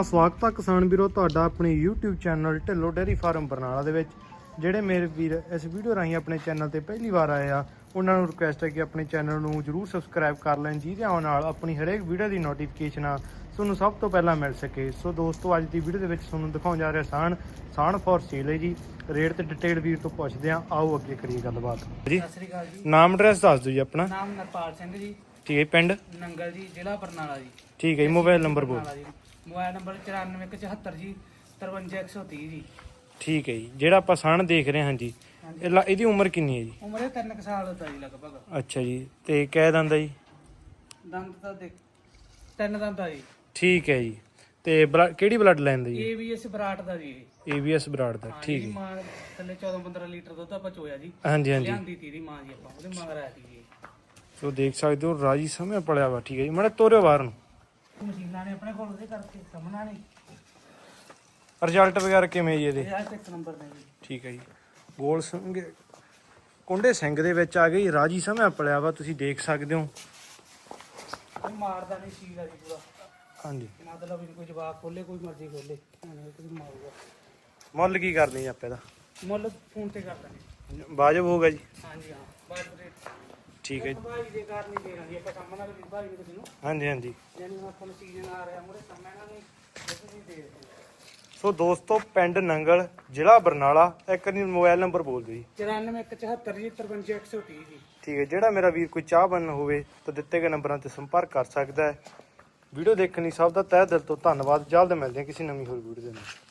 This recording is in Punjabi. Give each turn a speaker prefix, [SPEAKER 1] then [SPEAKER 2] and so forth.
[SPEAKER 1] ਸਵਾਗਤ ਹੈ ਕਿਸਾਨ ਵੀਰੋ ਤੁਹਾਡਾ ਆਪਣੇ YouTube channel Dhillon dairy farm Barnala ਦੇ ਵਿੱਚ। ਜਿਹੜੇ ਮੇਰੇ ਵੀਰ ਇਸ ਵੀਡੀਓ ਰਾਹੀਂ ਆਪਣੇ ਚੈਨਲ ਤੇ ਪਹਿਲੀ ਵਾਰ ਆਏ ਆ ਉਹਨਾਂ ਨੂੰ ਰਿਕੁਐਸਟ ਹੈ ਕਿ ਆਪਣੇ ਚੈਨਲ ਨੂੰ ਜਰੂਰ ਸਬਸਕ੍ਰਾਈਬ ਕਰ ਲੈਣ, ਜਿਹਦੇ ਨਾਲ ਆਪਣੀ ਹਰੇਕ ਵੀਡੀਓ ਦੀ ਨੋਟੀਫਿਕੇਸ਼ਨ ਆ ਤੁਹਾਨੂੰ ਸਭ ਤੋਂ ਪਹਿਲਾਂ ਮਿਲ ਸਕੇ। ਸੋ ਦੋਸਤੋ, ਅੱਜ ਦੀ ਵੀਡੀਓ ਦੇ ਵਿੱਚ ਤੁਹਾਨੂੰ ਦਿਖਾਉਣ ਜਾ ਰਿਹਾ ਸਾਣ ਫॉर ਸੇਲ ਹੈ ਜੀ। ਰੇਟ ਤੇ ਡਿਟੇਲ ਵੀਰ ਤੋਂ ਪੁੱਛਦੇ ਆ, ਆਓ ਅੱਗੇ ਕਰੀਏ ਗੱਲਬਾਤ ਜੀ।
[SPEAKER 2] ਸਤਿ ਸ੍ਰੀ ਅਕਾਲ ਜੀ।
[SPEAKER 1] ਨਾਮ ਐਡਰੈਸ ਦੱਸ ਦਿਓ ਜੀ ਆਪਣਾ।
[SPEAKER 2] ਨਾਮ ਨਰਪਾਲ ਸਿੰਘ ਜੀ,
[SPEAKER 1] ਠੀਕ ਹੈ, ਪਿੰਡ
[SPEAKER 2] ਨੰਗਲ ਜੀ, ਜ਼ਿਲ੍ਹਾ ਬਰਨਾਲਾ ਜੀ।
[SPEAKER 1] ਠੀਕ ਹੈ ਜੀ। ਮੋਬਾਈਲ ਨੰਬਰ ਬੋਲ।
[SPEAKER 2] ਮੋਬਾਈਲ ਨੰਬਰ 9474 ਜੀ 53130 ਜੀ।
[SPEAKER 1] ਠੀਕ ਹੈ ਜੀ। ਜਿਹੜਾ ਆਪਾਂ ਸਾਣ ਦੇਖ ਰਹੇ ਹਾਂ ਜੀ, ਇਹਦੀ ਉਮਰ ਕਿੰਨੀ ਹੈ ਜੀ?
[SPEAKER 2] ਉਮਰ ਇਹ 3 ਸਾਲ ਦਾ ਜੀ ਲਗਭਗ।
[SPEAKER 1] ਅੱਛਾ ਜੀ। ਤੇ ਕਿਹ ਦੰਦ ਜੀ?
[SPEAKER 2] ਦੰਦ ਤਾਂ ਦੇਖ 3 ਦੰਦ ਆ ਜੀ।
[SPEAKER 1] ਠੀਕ ਹੈ ਜੀ। ਤੇ ਕਿਹੜੀ ਬਲੱਡ ਲਾਈਨ ਦਾ ਜੀ?
[SPEAKER 2] ABS ਬਰਾਟ ਦਾ ਜੀ।
[SPEAKER 1] ABS ਬਰਾੜ ਦਾ। ਠੀਕ ਹੈ।
[SPEAKER 2] ਮਾਂ ਥੱਲੇ 14-15 ਲੀਟਰ ਦੁੱਧ ਆਪਾਂ ਚੋਇਆ ਜੀ।
[SPEAKER 1] ਹਾਂਜੀ ਹਾਂਜੀ।
[SPEAKER 2] ਲਿਆਂਦੀ ਤੀ ਦੀ ਮਾਂ ਜੀ, ਆਪਾਂ ਉਹਦੇ ਮਗਰ ਆਇਆ ਸੀ ਜੀ।
[SPEAKER 1] ਸੋ ਦੇਖ ਸਕਦੇ ਹੋ ਰਾਜੀ ਸਮੇਂ ਪਲਿਆ ਵਾ। ਠੀਕ ਹੈ ਜੀ। ਮਾੜਾ ਤੋਰਿਓ ਬਾਹਰ ਨੂੰ।
[SPEAKER 2] ਮਸ਼ੀਨਾਂ ਨੇ ਆਪਣੇ ਕੋਲ ਉਹਦੇ ਕਰਕੇ ਸਾਹਮਣਾ ਨਹੀਂ।
[SPEAKER 1] ਰਿਜ਼ਲਟ ਵਗੈਰਾ ਕਿਵੇਂ ਜੀ ਇਹਦੇ?
[SPEAKER 2] ਇਹ ਇੱਕ ਨੰਬਰ ਨੇ ਜੀ।
[SPEAKER 1] ਠੀਕ ਹੈ ਜੀ। ਗੋਲ ਸਿੰਘ ਕੁੰਡੇ ਸਿੰਘ ਦੇ ਵਿੱਚ ਆ ਗਈ, ਰਾਜੀ ਸਮੇਂ ਪਲਿਆ ਵਾ, ਤੁਸੀਂ ਦੇਖ ਸਕਦੇ ਹੋ।
[SPEAKER 2] ਕੋਈ ਮਾਰਦਾ ਨਹੀਂ ਸੀ ਜੀ ਪੂਰਾ।
[SPEAKER 1] ਹਾਂਜੀ।
[SPEAKER 2] ਮਤਲਬ ਕੋਈ ਜਵਾਬ ਖੋਲੇ, ਕੋਈ ਮਰਜ਼ੀ ਖੋਲੇ, ਕੋਈ ਮਾਰੂਗਾ।
[SPEAKER 1] ਮੁੱਲ ਕੀ ਕਰਦੇ ਜੀ ਆਪਾਂ ਇਹਦਾ?
[SPEAKER 2] ਮੁੱਲ ਫੋਨ ਤੇ ਕਰ ਦਾਂਗੇ।
[SPEAKER 1] ਵਾਜਬ ਹੋਊਗਾ ਜੀ?
[SPEAKER 2] ਹਾਂਜੀ ਹਾਂ, ਬਾਜੂ ਰੇਟ।
[SPEAKER 1] ਠੀਕ ਹੈ ਜੀ।
[SPEAKER 2] ਭਾਈ ਦੇ ਕਾਰ ਨਹੀਂ ਦੇਣਾ ਜੀ ਆਪਾਂ, ਕੰਮ ਨਾਲ ਵੀ ਭਾਈ ਨੂੰ ਕਿਸੇ ਨੂੰ।
[SPEAKER 1] ਹਾਂਜੀ ਹਾਂਜੀ।
[SPEAKER 2] ਯਾਨੀ ਹੁਣ ਆਪਾਂ ਨੂੰ ਸੀਜ਼ਨ ਆ ਰਿਹਾ ਮੂਰੇ, ਕੰਮ ਇਹਨਾਂ ਨੂੰ ਕੁਝ ਨਹੀਂ ਦੇ ਰਹੇ।
[SPEAKER 1] ਸੋ ਦੋਸਤੋ, ਪਿੰਡ ਨੰਗਲ, ਜ਼ਿਲ੍ਹਾ ਬਰਨਾਲਾ। ਇੱਕ ਵਾਰੀ ਮੋਬਾਈਲ ਨੰਬਰ ਬੋਲ ਦਿਓ ਜੀ।
[SPEAKER 2] 9474 ਜੀ 53130 ਜੀ।
[SPEAKER 1] ਠੀਕ ਹੈ। ਜਿਹੜਾ ਮੇਰਾ ਵੀਰ ਕੋਈ ਚਾਹ ਬਣਨ ਹੋਵੇ ਤਾਂ ਦਿੱਤੇ ਗਏ ਨੰਬਰਾਂ ਤੇ ਸੰਪਰਕ ਕਰ ਸਕਦਾ ਹੈ। ਵੀਡੀਓ ਦੇਖਣ ਲਈ ਸਭ ਦਾ ਤਹਿ ਦਿਲ ਤੋਂ ਧੰਨਵਾਦ। ਜਲਦ ਮਿਲਦੇ ਹਾਂ ਕਿਸੇ ਨਵੀਂ ਹੋਰ ਵੀਡੀਓ ਦੇ ਨਾਲ।